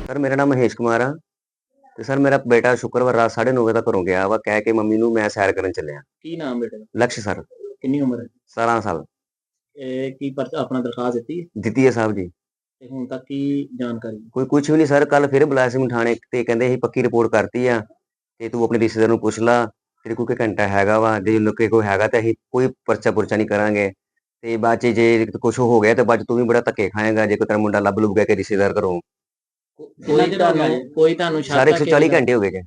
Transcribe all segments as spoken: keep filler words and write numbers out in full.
Sir ਮੇਰਾ ਨਾਮ ਮਹੇਸ਼ ਕੁਮਾਰ ਆ ਤੇ ਸਰ ਮੇਰਾ ਬੇਟਾ ਸ਼ੁੱਕਰਵਾਰ ਰਾਤ ਸਾਢੇ ਨੌ ਵਜੇ ਤੱਕ ਘਰੋਂ ਗਿਆ ਵਾ ਕਹਿ ਕੇ ਮੰਮੀ ਨੂੰ ਮੈਂ ਸੈਰ ਕਰਨ ਚੱਲਿਆ। ਕੀ ਨਾਮ ਬੇਟੇ ਦਾ? ਲਕਸ਼ ਸਰ। ਕਿੰਨੀ ਉਮਰ ਹੈ? ਸਤਾਰਾਂ ਸਾਲ। ਇਹ ਕੀ ਪਰ ਆਪਣਾ ਦਰਖਾਸਤ ਦਿੱਤੀ ਹੈ? ਦਿੱਤੀ ਹੈ ਸਾਹਿਬ ਜੀ। ਤੇ ਹੁਣ ਤੱਕ ਕੀ ਜਾਣਕਾਰੀ? ਕੋਈ ਕੁਝ ਵੀ ਨਹੀਂ ਸਰ, ਕੱਲ ਫਿਰ ਬੁਲਾਇਆ ਸੀ ਮੈਨੂੰ ਥਾਣੇ ਤੇ ਕਹਿੰਦੇ ਅਸੀਂ ਪੱਕੀ ਰਿਪੋਰਟ ਕਰਤੀ ਆ ਤੇ ਤੂੰ ਆਪਣੇ ਰਿਸ਼ਤੇਦਾਰ ਨੂੰ ਪੁੱਛ ਲਾ, ਤੇਰੇ ਕੋਲ ਕੋਈ ਘੰਟਾ ਹੈਗਾ ਵਾ, ਜੇ ਲੋਕੇ ਕੋਈ ਹੈਗਾ ਤਾਂ ਅਸੀਂ ਕੋਈ ਪਰਚਾ ਪੁਰਚਾ ਨਹੀਂ ਕਰਾਂਗੇ ਤੇ ਬਾਅਦ ਚ ਜੇ ਕੁਝ ਹੋ ਗਿਆ ਤੇ ਬਾਅਦ ਚ ਤੂੰ ਵੀ ਬੜਾ ਧੱਕੇ ਖਾਏਗਾ ਜੇ ਕੋਈ ਤੇਰਾ ਮੁੰਡਾ ਲੱਭ ਲੁੱਭ ਗਿਆ ਕਿ ਰਿਸ਼ਤੇਦਾਰ ਘਰੋਂ। ਕੋਈ ਤੁਹਾਨੂੰ ਕੋਈ ਤੁਹਾਨੂੰ ਸ਼ੱਕ ਸਾਰੇ ਆ ਇੱਕ ਸੌ ਕਿਸੇ ਚਾਲੀ ਦਾ? ਘੰਟੇ ਹੋ ਗਏ ਜੇ।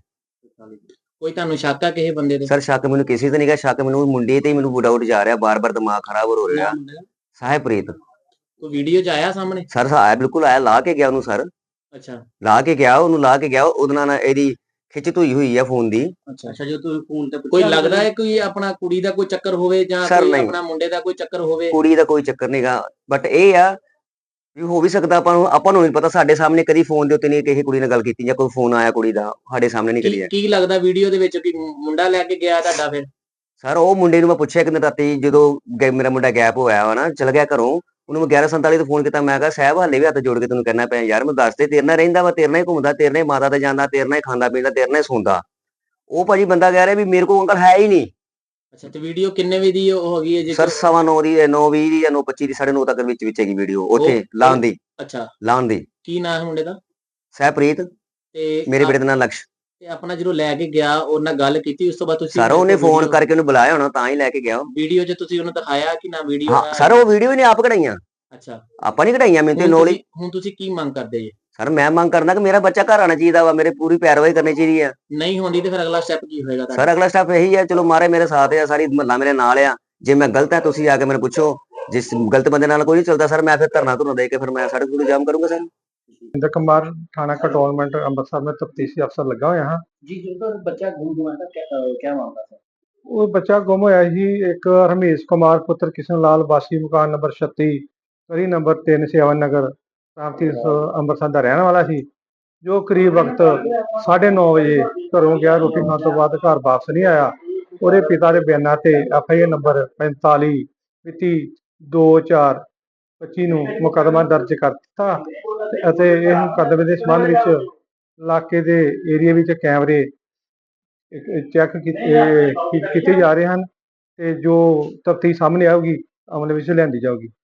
ਕੋਈ ਤੁਹਾਨੂੰ ਸ਼ੱਕ ਆ ਕਿਸੇ ਬੰਦੇ ਦੇ? ਸਰ ਸ਼ੱਕ ਮੈਨੂੰ ਕਿਸੇ ਤੇ ਨਹੀਂਗਾ, ਸ਼ੱਕ ਮੈਨੂੰ ਮੁੰਡੇ ਤੇ ਹੀ ਮੈਨੂੰ ਡਾਊਟ ਜਾ ਰਿਹਾ, ਬਾਰ-ਬਾਰ ਦਿਮਾਗ ਖਰਾਬ ਹੋ ਰਿਹਾ। ਸਾਹਿਬਪ੍ਰੀਤ। ਕੋਈ ਵੀਡੀਓ ਚ ਆਇਆ ਸਾਹਮਣੇ? ਸਰ ਆਇਆ, ਬਿਲਕੁਲ ਆਇਆ, ਲਾ ਕੇ ਗਿਆ ਉਹਨੂੰ ਸਰ। ਅੱਛਾ ਲਾ ਕੇ ਗਿਆ ਉਹਨੂੰ, ਲਾ ਕੇ ਗਿਆ ਉਹਦੇ ਨਾਲ ਇਹਦੀ ਖਿੱਚ ਧੂਈ ਹੋਈ ਆ ਫੋਨ ਦੀ। ਅੱਛਾ ਅੱਛਾ, ਜੋ ਤੁਸੀਂ ਫੋਨ ਤੇ ਕੋਈ ਲੱਗਦਾ ਹੈ ਕੋਈ ਆਪਣਾ ਕੁੜੀ ਦਾ ਕੋਈ ਚੱਕਰ ਹੋਵੇ ਜਾਂ Sir, ਕੋਈ ਨਹੀਂ। ਆਪਣਾ ਮੁੰਡੇ ਦਾ ਕੋਈ ਚੱਕਰ ਹੋਵੇ? ਕੁੜੀ ਦਾ ਕੋਈ ਚੱਕਰ ਨਹੀਂਗਾ, ਬਟ ਇਹ ਆ ਵੀ ਹੋ ਵੀ ਸਕਦਾ, ਆਪਾਂ ਨੂੰ ਆਪਾਂ ਨੂੰ ਨਹੀਂ ਪਤਾ, ਸਾਡੇ ਸਾਹਮਣੇ ਕਦੀ ਫੋਨ ਦੇ ਉੱਤੇ ਨਹੀਂ ਕਿਸੇ ਕੁੜੀ ਨਾਲ ਗੱਲ ਕੀਤੀ ਜਾਂ ਕੋਈ ਫੋਨ ਆਇਆ ਕੁੜੀ ਦਾ ਸਾਡੇ ਸਾਹਮਣੇ ਨਹੀਂ ਕਰੀ ਕੀ ਹੈ। ਕੀ ਲੱਗਦਾ ਵੀਡੀਓ ਦੇ ਵਿੱਚ ਕਿ ਮੁੰਡਾ ਲੈ ਕੇ ਗਿਆ ਤੁਹਾਡਾ? ਫਿਰ ਸਰ ਉਹ ਮੁੰਡੇ ਨੂੰ ਮੈਂ ਪੁੱਛਿਆ ਕਿ ਰਾਤੀ ਜਦੋਂ ਗੈ- ਮੇਰਾ ਮੁੰਡਾ ਗੈਪ ਹੋਇਆ ਵਾ ਨਾ, ਚਲ ਗਿਆ ਘਰੋਂ, ਉਹਨੂੰ ਮੈਂ ਗਿਆਰਾਂ ਸੰਤਾਲੀ ਤੇ ਫੋਨ ਕੀਤਾ, ਮੈਂ ਕਿਹਾ ਸਾਹਿਬ ਹਾਲੇ ਵੀ ਹੱਥ ਜੋੜ ਕੇ ਤੈਨੂੰ ਕਹਿਣਾ ਪਿਆ ਯਾਰ, ਮੈਨੂੰ ਦੱਸ ਦੇ, ਤੇਰੇ ਨਾਲ ਰਹਿੰਦਾ ਵਾ, ਤੇਰੇ ਨਾਲ ਹੀ ਘੁੰਮਦਾ, ਤੇਰੇ ਨਾਲ ਹੀ ਮਾਤਾ ਤੇ ਜਾਂਦਾ, ਤੇਰੇ ਨਾਲ ਹੀ ਖਾਂਦਾ ਪੀਂਦਾ, ਤੇਰੇ ਨਾਲ ਹੀ ਸੌਂਦਾ। ਉਹ ਭਾਜੀ ਬੰਦਾ ਕਹਿ ਰਿਹਾ ਵੀ ਮੇਰੇ ਕੋਲ ਅੰਕਲ ਹੈ ਹੀ ਨਹੀਂ। ਅੱਛਾ, ਤੇ ਵੀਡੀਓ ਕਿੰਨੇ ਵਜੇ ਦੀ ਉਹ ਹੈਗੀ ਹੈ ਜੀ? ਸਰ ਸਵਾ ਨੌ ਦੀ, ਨੌ ਵੀਹ ਦੀ ਜਾਂ ਨੌ ਪੱਚੀ ਦੀ, ਸਾਢੇ ਨੌ ਤੱਕ ਵਿੱਚ ਵਿੱਚ ਹੈਗੀ ਵੀਡੀਓ ਉੱਥੇ ਲਾਉਣ ਦੀ। ਅੱਛਾ, ਲਾਉਣ ਦੀ। ਕੀ ਨਾਮ ਹੈ ਮੁੰਡੇ ਦਾ? ਸਹਿਪ੍ਰੀਤ। ਤੇ ਮੇਰੇ ਬੇਟੇ ਦਾ ਨਾਮ ਲਕਸ਼। ਤੇ ਆਪਣਾ ਜਦੋਂ ਲੈ ਕੇ ਗਿਆ ਉਹ ਨਾਲ ਗੱਲ ਕੀਤੀ, ਉਸ ਤੋਂ ਬਾਅਦ ਤੁਸੀਂ ਸਰ ਉਹਨੇ ਫੋਨ ਕਰਕੇ ਉਹਨੂੰ ਬੁਲਾਇਆ ਹੋਣਾ ਤਾਂ ਹੀ ਲੈ ਕੇ ਗਿਆ ਉਹ। ਵੀਡੀਓ 'ਚ ਤੁਸੀਂ ਉਹਨੂੰ ਦਿਖਾਇਆ ਕਿ ਨਾ ਵੀਡੀਓ? ਹਾਂ ਸਰ ਉਹ ਵੀਡੀਓ ਇਹਨੇ ਆਪ ਕਢਾਈਆਂ। ਅੱਛਾ, ਆਪਾਂ ਨਹੀਂ ਕਢਾਈਆਂ, ਮੈਨੂੰ ਤੇ ਹੁਣ ਨੌਲੇਜ। ਤੁਸੀਂ ਹੁਣ ਤੁਸੀਂ ਕੀ ਮੰਗ ਕਰਦੇ ਜੀ? ਸਰ ਮੈਂ ਮੰਗ ਕਰਨਾ ਕਿ ਮੇਰਾ ਬੱਚਾ ਘਰ ਆਣਾ ਚਾਹੀਦਾ ਵਾ, ਮੇਰੇ ਪੂਰੀ ਪੈਰਵਾਈ ਕਰਨੀ ਚਾਹੀਦੀ ਆ। ਨਹੀਂ ਹੁੰਦੀ ਤੇ ਫਿਰ ਅਗਲਾ ਸਟੈਪ ਕੀ ਹੋਏਗਾ ਤੁਹਾਡਾ? ਸਰ ਅਗਲਾ ਸਟੈਪ ਇਹੀ ਆ, ਚਲੋ ਮਾਰੇ ਮੇਰੇ ਸਾਥ ਆ, ਸਾਰੀ ਮਹੱਲਾ ਮੇਰੇ ਨਾਲ ਆ, ਜੇ ਮੈਂ ਗਲਤ ਆ ਤੁਸੀਂ ਆ ਕੇ ਮੈਨੂੰ ਪੁੱਛੋ, ਜਿਸ ਗਲਤ ਬੰਦੇ ਨਾਲ ਕੋਈ ਨਹੀਂ ਚੱਲਦਾ ਸਰ ਮੈਂ ਫਿਰ ਧਰਨਾ ਧੁਰਨਾ ਦੇ ਕੇ ਫਿਰ ਮੈਂ ਸੜਕ ਨੂੰ ਜਾਮ ਕਰੂੰਗਾ ਸਰ। इंद्र कुमार थाना कंटोनमेंट अमृतसर में तफ्तीशी अफसर लगा हुआ यहाँ। जी, जो बच्चा गुम हुआ था क्या क्या मामला था? वो बच्चा गुम होया ही एक रमेश कुमार पुत्र किशन लाल वासी मकान नंबर छत्ती गली नंबर तीन सेवन नगर प्रांति अमृतसर का रहने वाला सी, जो करीब वक्त साढ़े नौ बजे घरों गया, रोटी खाने तो बाद घर वापस नहीं आया। और पिता के बयानों से एफ आई आर नंबर पैंताली मिति दो चार पच्ची ਨੂੰ ਮੁਕੱਦਮਾ ਦਰਜ ਕਰ ਦਿੱਤਾ ਅਤੇ ਇਹ ਮੁਕੱਦਮੇ ਦੇ ਸੰਬੰਧ ਵਿੱਚ ਇਲਾਕੇ ਦੇ ਏਰੀਆ ਵਿੱਚ ਕੈਮਰੇ ਚੈੱਕ ਕੀਤੇ ਕੀਤੇ ਜਾ ਰਹੇ ਹਨ ਤੇ ਜੋ ਤਫਤੀਸ਼ ਸਾਹਮਣੇ ਆਊਗੀ ਅਮਲ ਵਿੱਚ ਲਿਆਂਦੀ ਜਾਊਗੀ।